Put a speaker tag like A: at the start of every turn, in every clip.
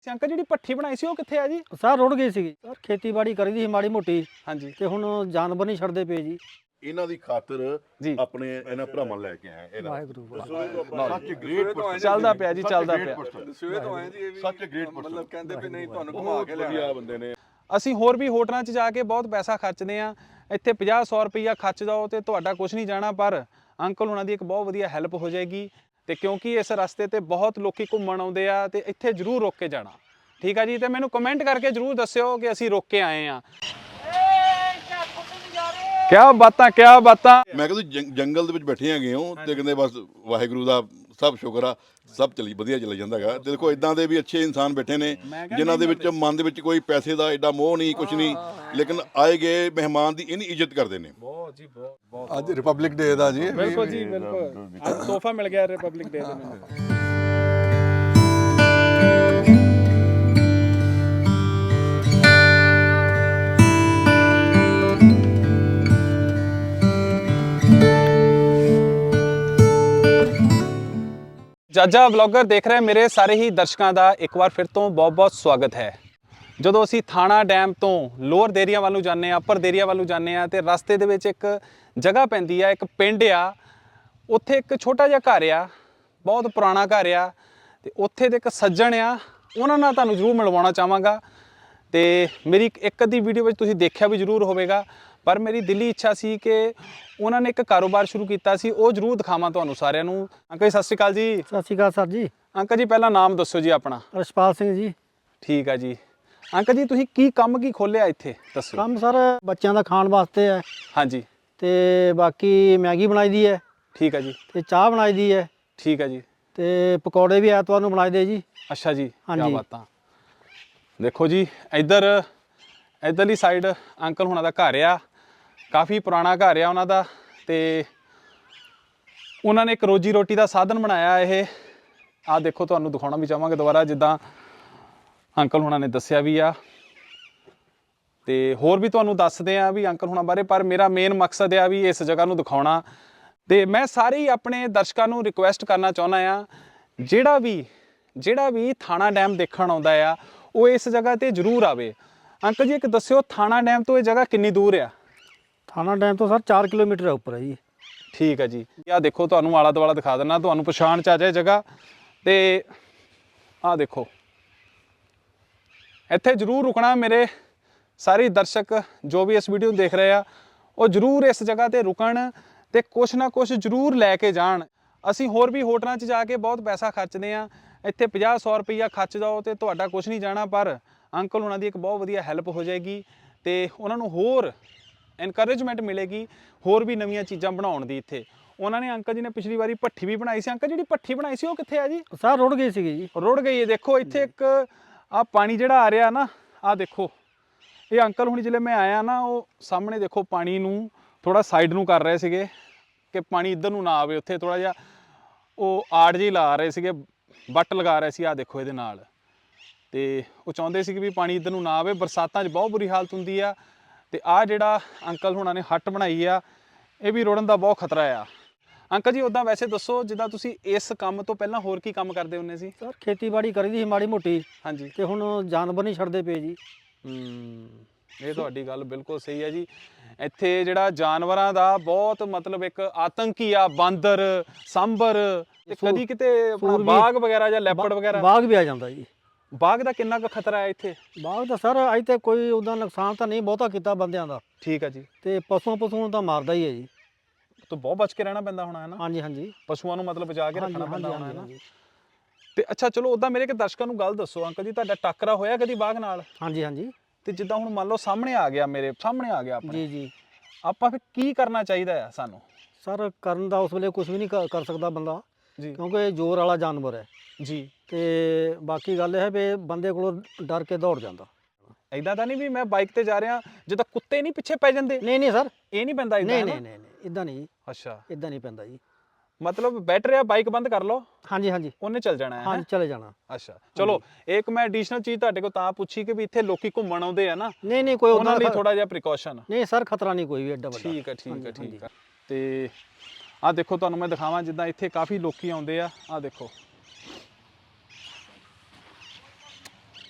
A: Uncle ਜਿਹੜੀ ਭੱਠੀ ਬਣਾਈ ਸੀ ਉਹ ਕਿੱਥੇ ਆ ਜੀ?
B: ਸਰ ਰੁੜ ਗਈ ਸੀ ਸਰ, ਖੇਤੀਬਾੜੀ ਕਰੀ ਦੀ ਸੀ ਮਾੜੀ ਮੋਟੀ
A: ਹਾਂਜੀ
B: ਤੇ ਹੁਣ ਜਾਨਵਰ ਨਹੀਂ ਛੱਡਦੇ ਪਏ ਜੀ।
C: ਇਹਨਾਂ ਦੀ ਖਾਤਰ
A: ਜੀ
C: ਆਪਣੇ ਇਹਨਾਂ ਭਰਾਵਾਂ ਲੈ ਕੇ ਆਏ ਇਹਨਾਂ
B: ਵਾਹਿਗੁਰੂ
C: ਸੱਚ ਗ੍ਰੇਟ
A: ਚੱਲਦਾ ਪਿਆ ਜੀ, ਚੱਲਦਾ ਪਿਆ।
D: ਸਵੇਰੇ ਤੋਂ ਆਏ ਜੀ, ਇਹ ਵੀ
C: ਸੱਚ ਗ੍ਰੇਟ
D: ਮਤਲਬ ਕਹਿੰਦੇ ਵੀ ਨਹੀਂ ਤੁਹਾਨੂੰ ਘੁਮਾ
C: ਬਹੁਤ
D: ਕੇ
C: ਵਧੀਆ
D: ਲਿਆ
C: ਬੰਦੇ ਨੇ।
A: ਅਸੀਂ ਹੋਰ ਵੀ ਹੋਟਲਾਂ 'ਚ ਜਾ ਕੇ ਬਹੁਤ ਪੈਸਾ ਖਰਚਦੇ ਆ, ਇੱਥੇ 50-100 ਰੁਪਈਆ ਖਰਚ ਜਾਓ ਤੇ ਤੁਹਾਡਾ ਕੁਝ ਨਹੀਂ ਜਾਣਾ, ਪਰ ਅੰਕਲ ਹੁਣਾਂ ਦੀ ਇੱਕ ਬਹੁਤ ਵਧੀਆ ਹੈਲਪ ਹੋ ਜਾਏਗੀ। ਤੇ ਕਿਉਂਕਿ ਇਸ ਰਸਤੇ ਤੇ ਬਹੁਤ ਲੋਕੀ ਘੁੰਮਣ ਆਉਂਦੇ ਆ ਤੇ ਇੱਥੇ ਜ਼ਰੂਰ ਰੁਕ ਕੇ ਜਾਣਾ, ਠੀਕ ਆ ਜੀ। ਤੇ ਮੈਨੂੰ ਕਮੈਂਟ ਕਰਕੇ ਜ਼ਰੂਰ ਦੱਸਿਓ ਕਿ ਅਸੀਂ ਰੁਕ ਕੇ ਆਏ ਆ। ਕਿਆ ਬਾਤਾਂ।
C: ਮੈਂ ਕਹਿੰਦਾ ਜੰਗਲ ਦੇ ਵਿੱਚ ਬੈਠੇ ਹੈਗੇ ਹੋ ਤੇ ਕਹਿੰਦੇ ਬਸ ਵਾਹਿਗੁਰੂ ਦਾ ਸਭ ਸ਼ੁਕਰ ਆ, ਸਭ ਚਲੀ ਵਧੀਆ ਚੱਲ ਜਾਂਦਾ ਹੈਗਾ। ਤੇ ਦੇਖੋ ਇਦਾਂ ਦੇ ਵੀ ਅੱਛੇ ਇਨਸਾਨ ਬੈਠੇ ਨੇ ਜਿਨ੍ਹਾਂ ਦੇ ਵਿੱਚ ਮਨ ਦੇ ਵਿੱਚ ਕੋਈ ਪੈਸੇ ਦਾ ਐਡਾ ਮੋਹ ਨਹੀਂ, ਕੁਝ ਨਹੀਂ, ਲੇਕਿਨ ਆਏ ਗਏ ਮਹਿਮਾਨ ਦੀ ਇੰਨੀ ਇੱਜ਼ਤ ਕਰਦੇ ਨੇ।
A: ਬਹੁਤ ਜੀ ਬਹੁਤ।
D: ਅੱਜ ਰਿਪਬਲਿਕ ਡੇ ਦਾ ਜੀ।
A: ਬਿਲਕੁਲ ਜੀ ਬਿਲਕੁਲ, ਅੱਜ ਤੋਹਫਾ ਮਿਲ ਗਿਆ ਰਿਪਬਲਿਕ ਡੇ ਦੇ ਮੈਨੂੰ। ਜਾਜਾ ਵਲੌਗਰ ਦੇਖ ਰਹੇ ਮੇਰੇ ਸਾਰੇ ਹੀ ਦਰਸ਼ਕਾਂ ਦਾ ਇੱਕ ਵਾਰ ਫਿਰ ਤੋਂ ਬਹੁਤ-ਬਹੁਤ ਸਵਾਗਤ ਹੈ। ਜਦੋਂ ਅਸੀਂ ਥਾਣਾ ਡੈਮ ਤੋਂ ਲੋਅਰ ਦੇਰੀਆ ਵੱਲ ਨੂੰ ਜਾਂਦੇ ਆ, ਅੱਪਰ ਦੇਰੀਆ ਵੱਲ ਨੂੰ ਜਾਂਦੇ ਆ ਤੇ ਰਸਤੇ ਦੇ ਵਿੱਚ ਇੱਕ ਜਗ੍ਹਾ ਪੈਂਦੀ ਆ, ਇੱਕ ਪਿੰਡ ਆ, ਉੱਥੇ ਇੱਕ ਛੋਟਾ ਜਿਹਾ ਘਰ ਆ, ਬਹੁਤ ਪੁਰਾਣਾ ਘਰ ਆ ਤੇ ਉੱਥੇ ਦੇ ਇੱਕ ਸੱਜਣ ਆ, ਉਹਨਾਂ ਨਾਲ ਤੁਹਾਨੂੰ ਜ਼ਰੂਰ ਮਿਲਵਾਉਣਾ ਚਾਹਾਂਗਾ। ਤੇ ਮੇਰੀ ਇੱਕ ਅੱਧੀ ਵੀਡੀਓ ਵਿੱਚ ਤੁਸੀਂ ਦੇਖਿਆ ਵੀ ਜ਼ਰੂਰ ਹੋਵੇਗਾ, ਪਰ ਮੇਰੀ ਦਿਲੀ ਇੱਛਾ ਸੀ ਕਿ ਉਹਨਾਂ ਨੇ ਇੱਕ ਕਾਰੋਬਾਰ ਸ਼ੁਰੂ ਕੀਤਾ ਸੀ, ਉਹ ਜ਼ਰੂਰ ਦਿਖਾਵਾਂ ਤੁਹਾਨੂੰ ਸਾਰਿਆਂ ਨੂੰ। ਅੰਕਲ ਜੀ ਸਤਿ ਸ਼੍ਰੀ ਅਕਾਲ ਜੀ।
B: ਸਤਿ ਸ਼੍ਰੀ ਅਕਾਲ ਸਰ ਜੀ।
A: ਅੰਕਲ ਜੀ ਪਹਿਲਾਂ ਨਾਮ ਦੱਸੋ ਜੀ ਆਪਣਾ।
B: ਰਛਪਾਲ ਸਿੰਘ ਜੀ।
A: ਠੀਕ ਆ ਜੀ। ਅੰਕਲ ਜੀ ਤੁਸੀਂ ਕੀ ਖੋਲਿਆ ਇੱਥੇ ਦੱਸੋ।
B: ਕੰਮ ਸਰ ਬੱਚਿਆਂ ਦਾ ਖਾਣ ਵਾਸਤੇ ਹੈ
A: ਹਾਂਜੀ
B: ਤੇ ਬਾਕੀ ਮੈਗੀ ਬਣਾਈ ਦੀ ਹੈ
A: ਠੀਕ ਆ ਜੀ।
B: ਤੇ ਚਾਹ ਬਣਾਈ ਦੀ ਹੈ
A: ਠੀਕ ਆ ਜੀ।
B: ਤੇ ਪਕੌੜੇ ਵੀ ਐਤਵਾਰ ਨੂੰ ਬਣਾਈ ਦੇ ਜੀ।
A: ਅੱਛਾ ਜੀ,
B: ਹਾਂਜੀ।
A: ਕੀ ਬਾਤਾਂ। ਦੇਖੋ ਜੀ ਇੱਧਰਲੀ ਸਾਈਡ ਅੰਕਲ ਹੁਣਾਂ ਦਾ ਘਰ ਆ, ਕਾਫੀ ਪੁਰਾਣਾ ਘਰ ਆ ਉਹਨਾਂ ਦਾ, ਤੇ ਉਹਨਾਂ ਨੇ ਇੱਕ ਰੋਜੀ ਰੋਟੀ ਦਾ ਸਾਧਨ ਬਣਾਇਆ ਇਹ। ਆਹ ਦੇਖੋ, ਤੁਹਾਨੂੰ ਦਿਖਾਉਣਾ ਵੀ ਚਾਹਾਂਗੇ ਦੁਬਾਰਾ, ਜਿੱਦਾਂ ਅੰਕਲ ਹੁਣਾਂ ਨੇ ਦੱਸਿਆ ਵੀ ਆ, ਤੇ ਹੋਰ ਵੀ ਤੁਹਾਨੂੰ ਦੱਸਦੇ ਆ ਵੀ ਅੰਕਲ ਹੁਣਾਂ ਬਾਰੇ, ਪਰ ਮੇਰਾ ਮੇਨ ਮਕਸਦ ਆ ਵੀ ਇਸ ਜਗ੍ਹਾ ਨੂੰ ਦਿਖਾਉਣਾ। ਤੇ ਮੈਂ ਸਾਰੇ ਹੀ ਆਪਣੇ ਦਰਸ਼ਕਾਂ ਨੂੰ ਰਿਕੁਐਸਟ ਕਰਨਾ ਚਾਹੁੰਦਾ ਆ, ਜਿਹੜਾ ਵੀ ਥਾਣਾ ਡੈਮ ਦੇਖਣ ਆਉਂਦਾ ਆ ਉਹ ਇਸ ਜਗ੍ਹਾ ਤੇ ਜ਼ਰੂਰ ਆਵੇ। ਅੰਕਲ ਜੀ ਇੱਕ ਦੱਸਿਓ, ਥਾਣਾ ਡੈਮ ਤੋਂ ਇਹ ਜਗ੍ਹਾ ਕਿੰਨੀ ਦੂਰ ਆ?
B: ਥਾਣਾ ਡੈਮ ਤੋਂ ਸਰ 4 ਕਿਲੋਮੀਟਰ ਉੱਪਰ ਹੈ ਜੀ।
A: ਠੀਕ ਹੈ ਜੀ। ਆਹ ਦੇਖੋ, ਤੁਹਾਨੂੰ ਆਲਾ ਦੁਆਲਾ ਦਿਖਾ ਦਿੰਦਾ, ਤੁਹਾਨੂੰ ਪਛਾਣ ਚ ਆ ਜਾਏ ਜਗ੍ਹਾ। ਤੇ ਆਹ ਦੇਖੋ, ਇੱਥੇ ਜ਼ਰੂਰ ਰੁਕਣਾ। ਮੇਰੇ ਸਾਰੇ ਦਰਸ਼ਕ ਜੋ ਵੀ ਇਸ ਵੀਡੀਓ ਨੂੰ ਦੇਖ ਰਹੇ ਆ, ਉਹ ਜ਼ਰੂਰ ਇਸ ਜਗ੍ਹਾ ਤੇ ਰੁਕਣ ਤੇ ਕੁਛ ਨਾ ਕੁਛ ਜ਼ਰੂਰ ਲੈ ਕੇ ਜਾਣ। ਅਸੀਂ ਹੋਰ ਵੀ ਹੋਟਲਾਂ 'ਚ ਜਾ ਕੇ ਬਹੁਤ ਪੈਸਾ ਖਰਚਦੇ ਆ, ਇੱਥੇ 50-100 ਰੁਪਈਆ ਖਰਚ ਜਾਓ ਤੇ ਤੁਹਾਡਾ ਕੁਛ ਨਹੀਂ ਜਾਣਾ, ਪਰ ਅੰਕਲ ਉਹਨਾਂ ਦੀ ਇੱਕ ਬਹੁਤ ਵਧੀਆ ਹੈਲਪ ਹੋ ਜਾਏਗੀ ਤੇ ਉਹਨਾਂ ਨੂੰ ਹੋਰ ਇਨਕਰੇਜਮੈਂਟ ਮਿਲੇਗੀ, ਹੋਰ ਵੀ ਨਵੀਆਂ ਚੀਜ਼ਾਂ ਬਣਾਉਣ ਦੀ। ਇੱਥੇ ਉਹਨਾਂ ਨੇ, ਅੰਕਲ ਜੀ ਨੇ ਪਿਛਲੀ ਵਾਰੀ ਭੱਠੀ ਵੀ ਬਣਾਈ ਸੀ। ਅੰਕਲ ਜਿਹੜੀ ਭੱਠੀ ਬਣਾਈ ਸੀ ਉਹ ਕਿੱਥੇ ਆ ਜੀ?
B: ਸਰ ਰੁੜ ਗਈ ਸੀਗੀ ਜੀ।
A: ਰੁੜ ਗਈ ਹੈ। ਦੇਖੋ ਇੱਥੇ ਇੱਕ ਆਹ ਪਾਣੀ ਜਿਹੜਾ ਆ ਰਿਹਾ ਨਾ, ਆਹ ਦੇਖੋ, ਇਹ ਅੰਕਲ ਹੁਣ ਜਿਲੇ ਮੈਂ ਆਇਆ ਨਾ, ਉਹ ਸਾਹਮਣੇ ਦੇਖੋ ਪਾਣੀ ਨੂੰ ਥੋੜਾ ਸਾਈਡ ਨੂੰ ਕਰ ਰਹੇ ਸੀਗੇ ਕਿ ਪਾਣੀ ਇੱਧਰ ਨੂੰ ਨਾ ਆਵੇ। ਉੱਥੇ ਥੋੜਾ ਜਿਹਾ ਉਹ ਆੜ ਜਿਹੀ ਲਾ ਰਹੇ ਸੀਗੇ, ਵੱਟ ਲਗਾ ਰਹੇ ਸੀ, ਆਹ ਦੇਖੋ ਇਹਦੇ ਨਾਲ, ਤੇ ਉਹ ਚਾਹੁੰਦੇ ਸੀ ਕਿ ਵੀ ਪਾਣੀ ਇੱਧਰ ਨੂੰ ਨਾ ਆਵੇ। ਬਰਸਾਤਾਂ 'ਚ ਬਹੁਤ ਬੁਰੀ ਹਾਲਤ ਹੁੰਦੀ ਆ। ਤੇ ਆਹ ਜਿਹੜਾ ਅੰਕਲ ਹੁਣਾਂ ਨੇ ਹੱਟ ਬਣਾਈ ਆ, ਇਹ ਵੀ ਰੁੜਨ ਦਾ ਬਹੁਤ ਖਤਰਾ ਆ। ਅੰਕਲ ਜੀ ਉੱਦਾਂ ਵੈਸੇ ਦੱਸੋ, ਜਿੱਦਾਂ ਤੁਸੀਂ ਇਸ ਕੰਮ ਤੋਂ ਪਹਿਲਾਂ ਹੋਰ ਕੀ ਕੰਮ ਕਰਦੇ ਹੁੰਦੇ ਸੀ?
B: ਸਰ ਖੇਤੀਬਾੜੀ ਕਰੀ ਦੀ ਸੀ ਮਾੜੀ ਮੋਟੀ
A: ਹਾਂਜੀ।
B: ਤੇ ਹੁਣ ਜਾਨਵਰ ਨਹੀਂ ਛੱਡਦੇ ਪਏ ਜੀ।
A: ਇਹ ਤੁਹਾਡੀ ਗੱਲ ਬਿਲਕੁਲ ਸਹੀ ਹੈ ਜੀ। ਇੱਥੇ ਜਿਹੜਾ ਜਾਨਵਰਾਂ ਦਾ ਬਹੁਤ ਮਤਲਬ ਇੱਕ ਆਤੰਕੀ ਆ, ਬਾਂਦਰ, ਸਾਂਭਰ, ਤੇ ਕਦੀ ਕਿਤੇ ਆਪਣਾ ਬਾਗ ਵਗੈਰਾ ਜਾਂ ਲੈਪੜ ਵਗੈਰਾ।
B: ਬਾਗ ਵੀ ਆ ਜਾਂਦਾ ਜੀ।
A: ਬਾਗ ਦਾ ਕਿੰਨਾ ਕੁ ਖਤਰਾ ਹੈ ਇੱਥੇ?
B: ਬਾਗ ਦਾ ਸਰ ਅੱਜ ਤੇ ਕੋਈ ਉਹਦਾ ਨੁਕਸਾਨ ਤਾਂ ਨਹੀਂ ਬਹੁਤਾ ਕੀਤਾ ਬੰਦਿਆਂ ਦਾ।
A: ਠੀਕ ਹੈ ਜੀ।
B: ਤੇ ਪਸ਼ੂਆਂ ਤਾਂ ਮਾਰਦਾ ਹੀ ਹੈ ਜੀ।
A: ਤਾਂ ਬਹੁਤ ਬਚ ਕੇ ਰਹਿਣਾ ਪੈਂਦਾ ਹੋਣਾ ਹੈ ਨਾ?
B: ਹਾਂਜੀ ਹਾਂਜੀ।
A: ਪਸ਼ੂਆਂ ਨੂੰ ਮਤਲਬ ਬਚਾ ਕੇ ਰੱਖਣਾ ਪੈਂਦਾ ਹੋਣਾ ਹੈ ਨਾ?
B: ਹਾਂਜੀ
A: ਤੇ ਅੱਛਾ ਚਲੋ, ਉੱਦਾਂ ਮੇਰੇ ਇੱਕ ਦਰਸ਼ਕਾਂ ਨੂੰ ਗੱਲ ਦੱਸੋ, ਅੰਕਲ ਜੀ ਤੁਹਾਡਾ ਟੱਕਰਾ ਹੋਇਆ ਕਦੀ ਬਾਗ ਨਾਲ?
B: ਹਾਂਜੀ ਹਾਂਜੀ।
A: ਤੇ ਜਿੱਦਾਂ ਹੁਣ ਮੰਨ ਲਓ ਸਾਹਮਣੇ ਆ ਗਿਆ, ਮੇਰੇ ਸਾਹਮਣੇ ਆ ਗਿਆ ਆਪਣੇ,
B: ਜੀ ਜੀ।
A: ਆਪਾਂ ਫਿਰ ਕੀ ਕਰਨਾ ਚਾਹੀਦਾ ਆ ਸਾਨੂੰ?
B: ਸਰ ਕਰਨ ਦਾ ਉਸ ਵੇਲੇ ਕੁਝ ਵੀ ਨਹੀਂ ਕਰ ਸਕਦਾ ਬੰਦਾ,
A: ਜੀ
B: ਕਿਉਂਕਿ ਇਹ ਜ਼ੋਰ ਵਾਲਾ ਜਾਨਵਰ ਹੈ
A: ਜੀ।
B: ਤੇ ਬਾਕੀ ਗੱਲ ਇਹ ਹੈ ਵੀ ਬੰਦੇ ਕੋਲੋਂ ਡਰ ਕੇ ਦੌੜ ਜਾਂਦਾ।
A: ਇਦਾਂ ਤਾਂ ਨਹੀਂ ਵੀ ਮੈਂ ਬਾਈਕ ਤੇ ਜਾ ਰਿਹਾ, ਜਿੱਦਾਂ ਕੁੱਤੇ ਨਹੀਂ ਪਿੱਛੇ ਪੈ ਜਾਂਦੇ?
B: ਨਹੀਂ ਨਹੀਂ ਸਰ,
A: ਇਹ ਨਹੀਂ ਪੈਂਦਾ ਇਦਾਂ?
B: ਨਹੀਂ ਨਹੀਂ ਨਹੀਂ ਇਦਾਂ ਨਹੀਂ।
A: ਅੱਛਾ,
B: ਇਦਾਂ ਨਹੀਂ ਪੈਂਦਾ ਜੀ।
A: ਮਤਲਬ ਬੈਟਰ ਆ, ਬਾਈਕ ਬੰਦ ਕਰ ਲਓ,
B: ਹਾਂਜੀ ਹਾਂਜੀ।
A: ਉਹਨੇ ਚੱਲ ਜਾਣਾ ਹੈ?
B: ਹਾਂਜੀ ਚਲੇ ਜਾਣਾ।
A: ਅੱਛਾ ਚਲੋ, ਇੱਕ ਮੈਂ ਐਡੀਸ਼ਨਲ ਚੀਜ਼ ਤੁਹਾਡੇ ਕੋਲ ਤਾਂ ਪੁੱਛੀ ਕਿ ਵੀ ਇੱਥੇ ਲੋਕੀ ਘੁੰਮਣ ਆਉਂਦੇ ਆ ਨਾ,
B: ਨਹੀਂ ਨਹੀਂ ਕੋਈ
A: ਉਹਨਾਂ ਲਈ ਥੋੜਾ ਜਿਹਾ ਪ੍ਰੀਕਾਸ਼ਨ।
B: ਨਹੀਂ ਸਰ, ਖਤਰਾ ਨਹੀਂ ਕੋਈ ਵੀ ਐਡਾ ਵੱਡਾ।
A: ਠੀਕ ਹੈ ਠੀਕ ਹੈ ਠੀਕ ਹੈ। ਤੇ ਆਹ ਦੇਖੋ, ਤੁਹਾਨੂੰ ਮੈਂ ਦਿਖਾਵਾਂ, ਜਿੱਦਾਂ ਇੱਥੇ ਕਾਫੀ ਲੋਕੀ ਆਉਂਦੇ ਆ। ਆਹ ਦੇਖੋ,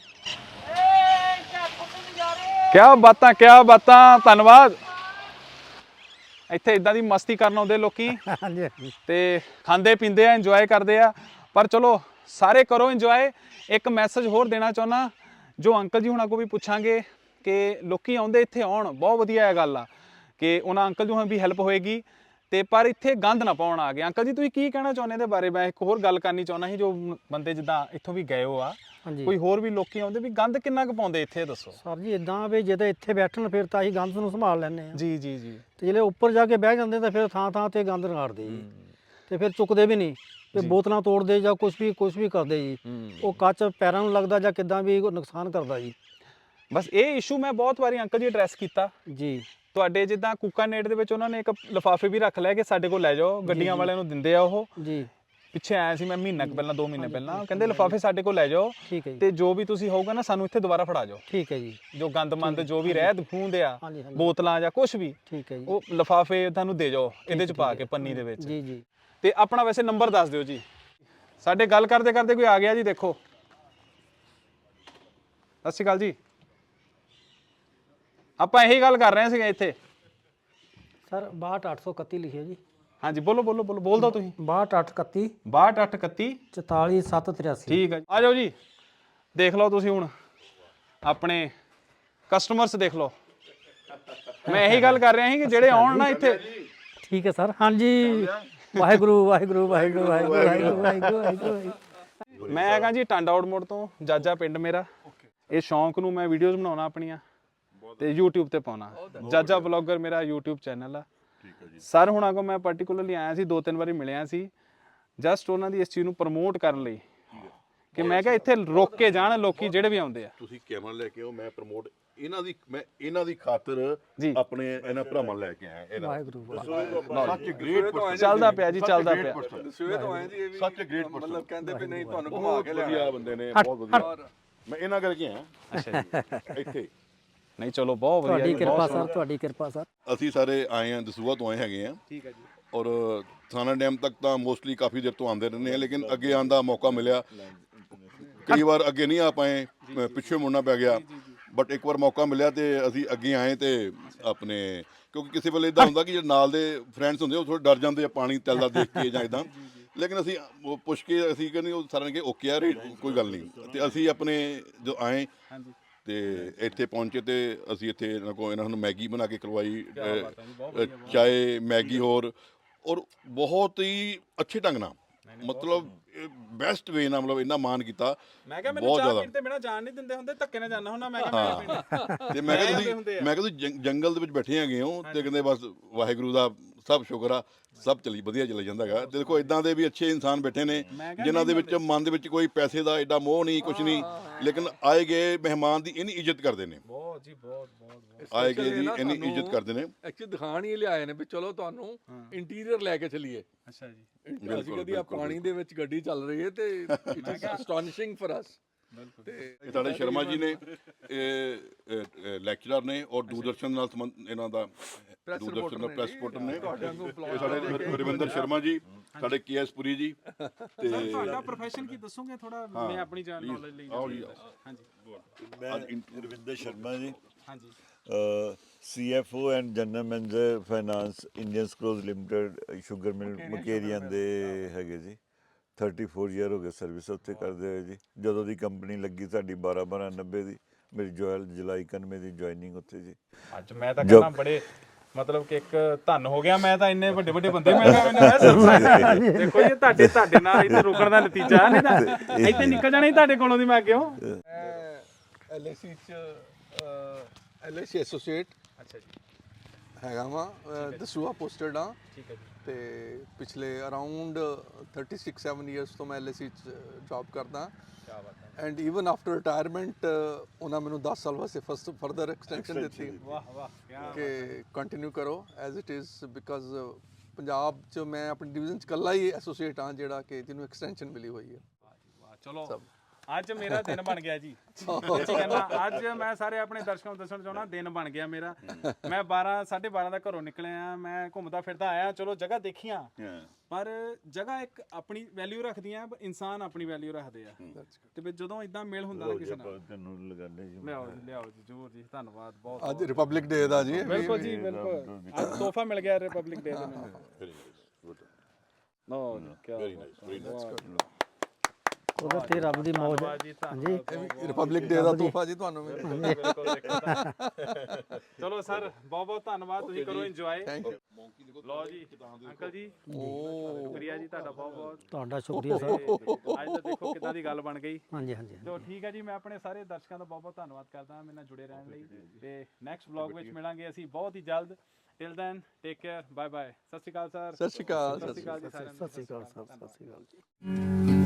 A: ਕਿਆ ਬਾਤਾਂ, ਧੰਨਵਾਦ। ਇੱਥੇ ਇਦਾਂ ਦੀ ਮਸਤੀ ਕਰਨ ਆਉਂਦੇ ਲੋਕੀ
B: ਹਾਂਜੀ ਹਾਂਜੀ
A: ਤੇ ਖਾਂਦੇ ਪੀਂਦੇ ਆ, ਇੰਜੋਏ ਕਰਦੇ ਆ। ਪਰ ਚਲੋ ਸਾਰੇ ਕਰੋ ਇੰਜੋਏ। ਇੱਕ ਮੈਸੇਜ ਹੋਰ ਦੇਣਾ ਚਾਹੁੰਦਾ, ਜੋ ਅੰਕਲ ਜੀ ਹੁਣਾਂ ਕੋਲ ਵੀ ਪੁੱਛਾਂਗੇ ਕਿ ਲੋਕੀ ਆਉਂਦੇ ਇੱਥੇ ਆਉਣ, ਬਹੁਤ ਵਧੀਆ ਇਹ ਗੱਲ ਆ ਕਿ ਉਹਨਾਂ ਅੰਕਲ ਜੀ ਹੁਣਾਂ ਵੀ ਹੈਲਪ ਹੋਏਗੀ। ਤੇ ਪਰ ਇੱਥੇ ਗੰਦ ਨਾ ਪਾਉਣ ਆ ਗਏ। ਅੰਕਲ ਜੀ ਤੁਸੀਂ ਕੀ ਕਹਿਣਾ ਚਾਹੁੰਦੇ ਇਹਦੇ ਬਾਰੇ? ਮੈਂ ਇੱਕ ਹੋਰ ਗੱਲ ਕਰਨੀ ਚਾਹੁੰਦਾ ਸੀ, ਜੋ ਬੰਦੇ ਜਿੱਦਾਂ ਇੱਥੋਂ ਵੀ ਗਏ ਹੋ ਆ,
B: ਹਾਂਜੀ
A: ਕੋਈ ਹੋਰ ਵੀ ਲੋਕੀ ਆਉਂਦੇ ਵੀ ਗੰਦ ਕਿੰਨਾ ਕੁ ਪਾਉਂਦੇ ਇੱਥੇ, ਦੱਸੋ।
B: ਸਰ ਜੀ ਇਦਾਂ ਵੀ ਜਦੋਂ ਇੱਥੇ ਬੈਠਣ ਫਿਰ ਤਾਂ ਅਸੀਂ ਗੰਦ ਨੂੰ ਸੰਭਾਲ ਲੈਂਦੇ ਆ,
A: ਜੀ ਜੀ ਜੀ।
B: ਤੇ ਜਿਹੜੇ ਉੱਪਰ ਜਾ ਕੇ ਬਹਿ ਜਾਂਦੇ ਤਾਂ ਫਿਰ ਥਾਂ ਥਾਂ ਤੇ ਗੰਦ ਰਗਾੜਦੇ ਜੀ, ਤੇ ਫਿਰ ਚੁੱਕਦੇ ਵੀ ਨਹੀਂ, ਤੇ ਬੋਤਲਾਂ ਤੋੜਦੇ ਜਾਂ ਕੁਝ ਵੀ ਕਰਦੇ ਜੀ। ਉਹ ਕੱਚ ਪੈਰਾਂ ਨੂੰ ਲੱਗਦਾ ਜਾਂ ਕਿੱਦਾਂ ਵੀ ਉਹ ਨੁਕਸਾਨ ਕਰਦਾ ਜੀ।
A: ਬਸ ਇਹ ਇਸ਼ੂ ਮੈਂ ਬਹੁਤ ਵਾਰੀ ਅੰਕਲ ਜੀ ਐਡਰੈਸ ਕੀਤਾ।
B: ਜੀ
A: ਤੁਹਾਡੇ ਜਿੱਦਾਂ ਕੂਕਾਨੇਟ ਦੇ ਵਿੱਚ ਉਹਨਾਂ ਨੇ ਇੱਕ ਲਿਫਾਫੇ ਵੀ ਰੱਖ ਲਿਆ ਕਿ ਸਾਡੇ ਕੋਲ ਲੈ ਜਾਓ, ਗੱਡੀਆਂ ਵਾਲਿਆਂ ਨੂੰ ਦਿੰਦੇ ਆ ਉਹ।
B: ਜੀ
A: ਪਿੱਛੇ ਆਇਆ ਸੀ ਮੈਂ ਮਹੀਨਾ ਕੁ ਪਹਿਲਾਂ, 2 ਮਹੀਨੇ ਪਹਿਲਾਂ, ਕਹਿੰਦੇ ਲਿਫਾਫੇ ਸਾਡੇ ਕੋਲ ਲੈ ਜਾਓ
B: ਠੀਕ ਹੈ ਜੀ,
A: ਤੇ ਜੋ ਵੀ ਤੁਸੀਂ ਹੋਊਗਾ ਨਾ ਸਾਨੂੰ ਇੱਥੇ ਦੁਬਾਰਾ ਫੜਾ ਜਾਓ।
B: ਠੀਕ ਹੈ ਜੀ,
A: ਜੋ ਗੰਦਮੰਦ ਜੋ ਵੀ ਰਹਿ ਖੂੰਹਦੇ ਆ,
B: ਹਾਂਜੀ ਹਾਂਜੀ
A: ਬੋਤਲਾਂ ਜਾਂ ਕੁਝ ਵੀ,
B: ਠੀਕ ਹੈ ਜੀ,
A: ਉਹ ਲਿਫਾਫੇ ਤੁਹਾਨੂੰ ਦੇ ਜਾਓ ਇਹਦੇ ਚ ਪਾ ਕੇ, ਪੰਨੀ ਦੇ ਵਿੱਚ।
B: ਜੀ ਜੀ।
A: ਤੇ ਆਪਣਾ ਵੈਸੇ ਨੰਬਰ ਦੱਸ ਦਿਓ ਜੀ। ਸਾਡੇ ਗੱਲ ਕਰਦੇ ਕਰਦੇ ਕੋਈ ਆ ਗਿਆ ਜੀ, ਦੇਖੋ। ਸਤਿ ਸ਼੍ਰੀ ਅਕਾਲ ਜੀ। ਆਪਾਂ ਇਹੀ ਗੱਲ ਕਰ ਰਹੇ ਸੀਗੇ ਇੱਥੇ।
B: ਸਰ 62831 ਲਿਖਿਆ ਜੀ।
A: ਹਾਂਜੀ ਬੋਲੋ ਬੋਲ ਦਿਓ ਤੁਸੀਂ।
B: 62831
A: 6231
B: 44783।
A: ਠੀਕ ਹੈ ਜੀ, ਆ ਜਾਓ ਜੀ। ਦੇਖ ਲਓ ਤੁਸੀਂ ਹੁਣ ਆਪਣੇ ਕਸਟਮਰਸ ਦੇਖ ਲਓ। ਮੈਂ ਇਹੀ ਗੱਲ ਕਰ ਰਿਹਾ ਸੀ ਕਿ ਜਿਹੜੇ ਆਉਣ ਨਾ ਇੱਥੇ।
B: ਠੀਕ ਹੈ ਸਰ। ਹਾਂਜੀ ਵਾਹਿਗੁਰੂ ਵਾਹਿਗੁਰੂ ਵਾਹਿਗੁਰੂ ਵਾਹਿਗੁਰੂ ਵਾਹਿਗੁਰੂ ਵਾਹਿਗੁਰੂ ਵਾਹਿਗੁਰੂ।
A: ਮੈਂ ਹੈਗਾ ਜੀ ਟਾਂਡਾ ਆਊਟਮੋੜ ਤੋਂ, ਜਾਜਾ ਪਿੰਡ ਮੇਰਾ। ਇਹ ਸ਼ੌਂਕ ਨੂੰ ਮੈਂ ਵੀਡੀਓਜ਼ ਬਣਾਉਣਾ ਆਪਣੀਆਂ ਤੇ YouTube ਤੇ ਪਾਉਣਾ। ਜਾਜਾ ਬਲੌਗਰ ਮੇਰਾ YouTube ਚੈਨਲ ਆ। ਸਰ ਹੁਣਾਂ ਕੋ ਮੈਂ ਪਾਰਟਿਕੂਲਰਲੀ ਆਇਆ ਸੀ, 2-3 ਵਾਰੀ ਮਿਲਿਆ ਸੀ, ਜਸਟ ਉਹਨਾਂ ਦੀ ਇਸ ਚੀਜ਼ ਨੂੰ ਪ੍ਰਮੋਟ ਕਰਨ ਲਈ ਕਿ ਮੈਂ ਕਿਹਾ ਇੱਥੇ ਰੁਕ ਕੇ ਜਾਣ ਲੋਕੀ ਜਿਹੜੇ ਵੀ ਆਉਂਦੇ ਆ।
C: ਤੁਸੀਂ ਕੈਮਰਾ ਲੈ ਕੇ ਆਓ, ਮੈਂ ਪ੍ਰਮੋਟ ਇਹਨਾਂ ਦੀ ਖਾਤਰ
A: ਜੀ
C: ਆਪਣੇ ਇਹਨਾਂ ਭਰਾਵਾਂ ਲੈ ਕੇ ਆਇਆ।
B: ਵਾਹਿਗੁਰੂ
C: ਸੱਚ ਗ੍ਰੇਟ ਪਰਸਨ,
A: ਚੱਲਦਾ ਪਿਆ ਜੀ, ਚੱਲਦਾ ਪਿਆ।
D: ਦਸੂਏ ਤੋਂ ਆਏ ਜੀ, ਇਹ ਵੀ
C: ਸੱਚ ਗ੍ਰੇਟ ਪਰਸਨ,
D: ਮਤਲਬ ਕਹਿੰਦੇ ਵੀ ਨਹੀਂ ਤੁਹਾਨੂੰ ਘੁਮਾ ਕੇ ਲਿਆ।
C: ਵਧੀਆ ਬੰਦੇ ਨੇ, ਬਹੁਤ ਵਧੀਆ। ਮੈਂ ਇਹਨਾਂ ਕਰਕੇ ਆਇਆ
A: ਅੱਛਾ ਜੀ।
C: ਇੱਥੇ।
A: ਨਹੀਂ ਚਲੋ ਬਹੁਤ ਵਧੀਆ
B: ਤੁਹਾਡੀ
A: ਜੀ,
B: ਕਿਰਪਾ
A: ਬਹੁਤ
B: ਸਰ, ਤੁਹਾਡੀ ਕਿਰਪਾ ਸਰ।
C: ਅਸੀਂ ਸਾਰੇ ਆਏ ਹਾਂ, ਦਸੂਹਾ ਤੋਂ ਆਏ ਹੈਗੇ ਆ।
A: ਠੀਕ ਹੈ ਜੀ।
C: ਔਰ ਥਾਣਾ ਡੈਮ ਤੱਕ ਤਾਂ ਮੋਸਟਲੀ ਕਾਫੀ ਦੇਰ ਤੋਂ ਆਉਂਦੇ ਰਹਿੰਦੇ ਆ, ਲੇਕਿਨ ਅੱਗੇ ਆਉਣ ਦਾ ਮੌਕਾ ਮਿਲਿਆ। ਕਈ ਵਾਰ ਅੱਗੇ ਨਹੀਂ ਆ ਪਾਏ, ਪਿੱਛੇ ਮੁੜਨਾ ਪੈ ਗਿਆ, ਬਟ ਇੱਕ ਵਾਰ ਮੌਕਾ ਮਿਲਿਆ ਤੇ ਅਸੀਂ ਅੱਗੇ ਆਏ। ਤੇ ਆਪਣੇ ਕਿਉਂਕਿ ਕਿਸੇ ਵੇਲੇ ਇਦਾਂ ਹੁੰਦਾ ਕਿ ਜਿਹੜੇ ਨਾਲ ਦੇ ਫਰੈਂਡਸ ਹੁੰਦੇ ਉਹ ਥੋੜੇ ਡਰ ਜਾਂਦੇ ਆ ਪਾਣੀ ਤੈਲਦਾ ਦੇਖ ਕੇ ਜਾਂ ਇਦਾਂ, ਲੇਕਿਨ ਅਸੀਂ ਉਹ ਪੁੱਛ ਕੇ ਅਸੀਂ ਕਹਿੰਦੇ ਉਹ ਸਾਰਿਆਂ ਨੇ ਕਿ ਓਕੇ ਯਾਰ ਕੋਈ ਗੱਲ ਨਹੀਂ। ਤੇ ਅਸੀਂ ਆਪਣੇ ਜੋ ਆਏ ਤੇ ਇੱਥੇ ਪਹੁੰਚੇ ਤੇ ਅਸੀਂ ਇੱਥੇ ਇਹਨਾਂ ਨੂੰ ਮੈਗੀ ਬਣਾ ਕੇ ਖਲਵਾਈ, ਚਾਏ ਮੈਗੀ ਹੋਰ, ਔਰ ਬਹੁਤ ਹੀ ਅੱਛੇ ਢੰਗ ਨਾਲ, ਮਤਲਬ ਬੈਸਟ ਵੇ ਨਾਲ, ਮਤਲਬ ਇੰਨਾ ਮਾਣ ਕੀਤਾ।
A: ਮੈਂ ਕਿਹਾ ਮੈਨੂੰ ਚਾਹ ਪੀਣ ਤੇ ਬਿਨਾ ਜਾਣ ਨਹੀਂ ਦਿੰਦੇ ਹੁੰਦੇ, ਧੱਕੇ ਨਾਲ ਜਾਣਾ ਹੁੰਦਾ। ਮੈਂ ਕਿਹਾ ਮੈਂ ਪੀਣੀ।
C: ਤੇ ਮੈਂ ਕਿਹਾ ਤੁਸੀਂ ਜੰਗਲ ਦੇ ਵਿੱਚ ਬੈਠੇ ਹੈਗੇ ਹੋ ਤੇ ਕਹਿੰਦੇ ਬਸ ਵਾਹਿਗੁਰੂ ਦਾ ਸਭ ਸ਼ੁਕਰ ਆ, ਸਭ ਵਧੀਆ ਚੱਲੀ ਜਾਂਦਾ ਹੈਗਾ। ਤੇ ਦੇਖੋ ਇਦਾਂ ਦੇ ਵੀ ਅੱਛੇ ਇਨਸਾਨ ਬੈਠੇ ਨੇ ਜਿਨ੍ਹਾਂ ਦੇ ਵਿੱਚ ਮਨ ਦੇ ਵਿੱਚ ਕੋਈ ਪੈਸੇ ਦਾ ਐਡਾ ਮੋਹ ਨਹੀਂ, ਕੁਝ ਨਹੀਂ, ਲੇਕਿਨ ਆਏ ਗਏ ਮਹਿਮਾਨ ਦੀ ਇੰਨੀ ਇੱਜ਼ਤ ਕਰਦੇ ਨੇ।
A: ਬਹੁਤ ਜੀ ਬਹੁਤ
C: ਆਏ ਗਏ ਦੀ ਇੰਨੀ ਇੱਜ਼ਤ ਕਰਦੇ ਨੇ।
D: ਐਕਚੁਅਲੀ ਦਿਖਾਣ ਹੀ ਲਿਆਏ ਨੇ ਵੀ ਚਲੋ ਤੁਹਾਨੂੰ ਇੰਟੀਰੀਅਰ ਲੈ ਕੇ ਚੱਲੀਏ।
A: ਅੱਛਾ ਜੀ।
D: ਅਸੀਂ ਕਦੀ ਆ ਪਾਣੀ ਦੇ ਵਿੱਚ ਗੱਡੀ ਚੱਲ ਰਹੀ ਹੈ ਤੇ it is astonishing for us. ਤੇ
C: ਇਹ ਸਾਡੇ ਸ਼ਰਮਾ ਜੀ ਨੇ, ਇਹ ਲੈਕਚਰਰ ਨੇ ਔਰ ਦੂਰਦਰਸ਼ਨ ਨਾਲ ਸੰਬੰਧ ਇਹਨਾਂ ਦਾ, ਦੂਰਦਰਸ਼ਨ ਦਾ ਪ੍ਰੈਸ ਰਿਪੋਰਟਰ ਨੇ। ਇਹ ਸਾਡੇ ਰਵਿੰਦਰ ਸ਼ਰਮਾ ਜੀ, ਸਾਡੇ KS ਪੁਰੀ ਜੀ। ਤੇ
A: ਤੁਹਾਡਾ ਪ੍ਰੋਫੈਸ਼ਨ ਕੀ ਦੱਸੋਗੇ ਥੋੜਾ, ਮੈਂ ਆਪਣੀ ਜਾਨ ਨੌਲੇਜ ਲਈ। ਹਾਂਜੀ
E: ਮੈਂ ਰਵਿੰਦਰ ਸ਼ਰਮਾ ਜੀ,
A: ਹਾਂਜੀ।
E: CFO and general manager finance Indian Sucrose Limited sugar mill Mukerian ਦੇ ਹੈਗੇ ਜੀ। 34 ਈਅਰ ਹੋ ਗਏ ਸਰਵਿਸ ਉੱਥੇ ਕਰਦੇ ਹੋਏ ਜੀ। ਜਦੋਂ ਦੀ ਕੰਪਨੀ ਲੱਗੀ ਸਾਡੀ 12/12/90 ਦੀ, ਮੇਰੀ ਜੁਲਾਈ 91 ਦੀ ਜੁਆਇਨਿੰਗ ਉੱਥੇ ਜੀ।
A: ਅੱਜ ਮੈਂ ਤਾਂ ਕਹਿੰਦਾ ਬੜੇ ਮਤਲਬ ਕਿ ਇੱਕ ਧੰਨ ਹੋ ਗਿਆ ਮੈਂ ਤਾਂ, ਇੰਨੇ ਵੱਡੇ ਬੰਦੇ ਮੈਂ ਦੇਖੋ ਜੀ ਤੁਹਾਡੇ ਨਾਲ ਇੱਥੇ ਰੁਕਣ ਦਾ ਨਤੀਜਾ ਨਹੀਂ ਤਾਂ ਇੱਥੇ ਨਿਕਲ ਜਾਣਾ ਤੁਹਾਡੇ ਕੋਲੋਂ ਦੀ। ਮੈਂ ਕਿਉਂ
D: LIC ਚ LIC ਐਸੋਸੀਏਟ
A: ਅੱਛਾ ਜੀ
D: ਹੈਗਾ ਵਾ, ਦਸੂਹਾ ਪੋਸਟਡ ਆ।
A: ਠੀਕ ਹੈ ਜੀ।
D: ਤੇ ਪਿਛਲੇ ਅਰਾਊਂਡ 36-7 ਇਅਰਸ ਤੋਂ ਮੈਂ LIC ਚ ਜੌਬ ਕਰਦਾ।
A: ਕੀ ਬਾਤ ਹੈ।
D: ਐਂਡ ਈਵਨ ਆਫਟਰ ਰਿਟਾਇਰਮੈਂਟ ਉਹਨਾਂ ਮੈਨੂੰ 10 ਸਾਲ ਵਾਸਤੇ ਫਰਦਰ ਐਕਸਟੈਂਸ਼ਨ ਦਿੱਤੀ
A: ਵਾਹ
D: ਕਿ ਕੰਟੀਨਿਊ ਕਰੋ as it is, because Punjab ਚ ਮੈਂ ਆਪਣੀ ਡਿਵੀਜ਼ਨ ਚ ਇਕੱਲਾ ਹੀ ਐਸੋਸੀਏਟ ਹਾਂ ਜਿਹੜਾ ਕਿ ਜਿਹਨੂੰ ਐਕਸਟੈਂਸ਼ਨ ਮਿਲੀ ਹੋਈ ਹੈ।
A: ਚਲੋ ਅੱਜ ਮੇਰਾ ਦਿਨ ਬਣ ਗਿਆ ਜੀ ਸੱਚੀ ਕਹਿੰਦਾ ਅੱਜ ਮੈਂ ਸਾਰੇ ਆਪਣੇ ਦਰਸ਼ਕਾਂ ਨੂੰ ਦੱਸਣਾ ਚਾਹੁੰਦਾ ਦਿਨ ਬਣ ਗਿਆ ਮੇਰਾ ਮੈਂ 12:30 ਦਾ ਘਰੋਂ ਨਿਕਲਿਆ ਮੈਂ ਘੁੰਮਦਾ ਫਿਰਦਾ ਆਇਆ ਚਲੋ ਜਗ੍ਹਾ ਦੇਖੀਆਂ ਪਰ ਜਗ੍ਹਾ ਇੱਕ ਆਪਣੀ ਵੈਲਿਊ ਰੱਖਦੀਆਂ ਇਨਸਾਨ ਆਪਣੀ ਵੈਲਿਊ ਰੱਖਦੇ ਆ ਤੇ ਫਿਰ ਜਦੋਂ ਇਦਾਂ ਮੇਲ ਹੁੰਦਾ ਨਾ ਕਿਸੇ ਨਾਲ
E: ਤੈਨੂੰ ਲਗਾਣੇ ਜੀ
A: ਲਿਆਓ ਜੀ ਜ਼ਰੂਰ ਜੀ ਧੰਨਵਾਦ ਬਹੁਤ
F: ਅੱਜ ਰਿਪਬਲਿਕ ਡੇ ਦਾ ਜੀ
A: ਬਿਲਕੁਲ ਜੀ ਬਿਲਕੁਲ ਅੱਜ ਤੋਹਫਾ ਮਿਲ ਗਿਆ ਰਿਪਬਲਿਕ ਡੇ ਦਾ ਮੈਨੂੰ ਨੋ ਕੀ
C: ਵੈਰੀ ਨਾਈਸ ਵੈਰੀ ਨਾਈਸ
B: ਉਹਦੇ ਤੇ ਰੱਬ ਦੀ ਮੌਜ
A: ਜੀ
B: ਹਾਂਜੀ
F: ਰਿਪਬਲਿਕ ਡੇ ਦਾ ਤੋਹਫਾ ਜੀ ਤੁਹਾਨੂੰ
A: ਚਲੋ ਸਰ ਬਹੁਤ ਬਹੁਤ ਧੰਨਵਾਦ ਤੁਸੀਂ ਕਰੋ ਇੰਜੋਏ
F: ਥੈਂਕ ਯੂ
A: ਲਓ ਜੀ ਅੰਕਲ ਜੀ ਸ਼ੁਕਰੀਆ ਜੀ ਤੁਹਾਡਾ ਬਹੁਤ ਬਹੁਤ
B: ਤੁਹਾਡਾ ਸ਼ੁਕਰੀਆ ਸਰ
A: ਅੱਜ ਤਾਂ ਦੇਖੋ ਕਿੱਦਾਂ ਦੀ ਗੱਲ ਬਣ ਗਈ
B: ਹਾਂਜੀ ਹਾਂਜੀ
A: ਤੋ ਠੀਕ ਹੈ ਜੀ ਮੈਂ ਆਪਣੇ ਸਾਰੇ ਦਰਸ਼ਕਾਂ ਦਾ ਬਹੁਤ ਬਹੁਤ ਧੰਨਵਾਦ ਕਰਦਾ ਹਾਂ ਮੇਰੇ ਨਾਲ ਜੁੜੇ ਰਹਿਣ ਲਈ ਤੇ ਨੈਕਸਟ ਵਲੌਗ ਵਿੱਚ ਮਿਲਾਂਗੇ ਅਸੀਂ ਬਹੁਤ ਹੀ ਜਲਦ till then take care bye bye ਸਤਿ ਸ਼੍ਰੀ ਅਕਾਲ ਸਰ
F: ਸਤਿ ਸ਼੍ਰੀ ਅਕਾਲ
A: ਸਤਿ ਸ਼੍ਰੀ ਅਕਾਲ ਜੀ ਸਾਰਿਆਂ ਨੂੰ
B: ਸਤਿ ਸ਼੍ਰੀ ਅਕਾਲ ਸਰ ਸਤਿ ਸ਼੍ਰੀ ਅਕਾਲ ਜੀ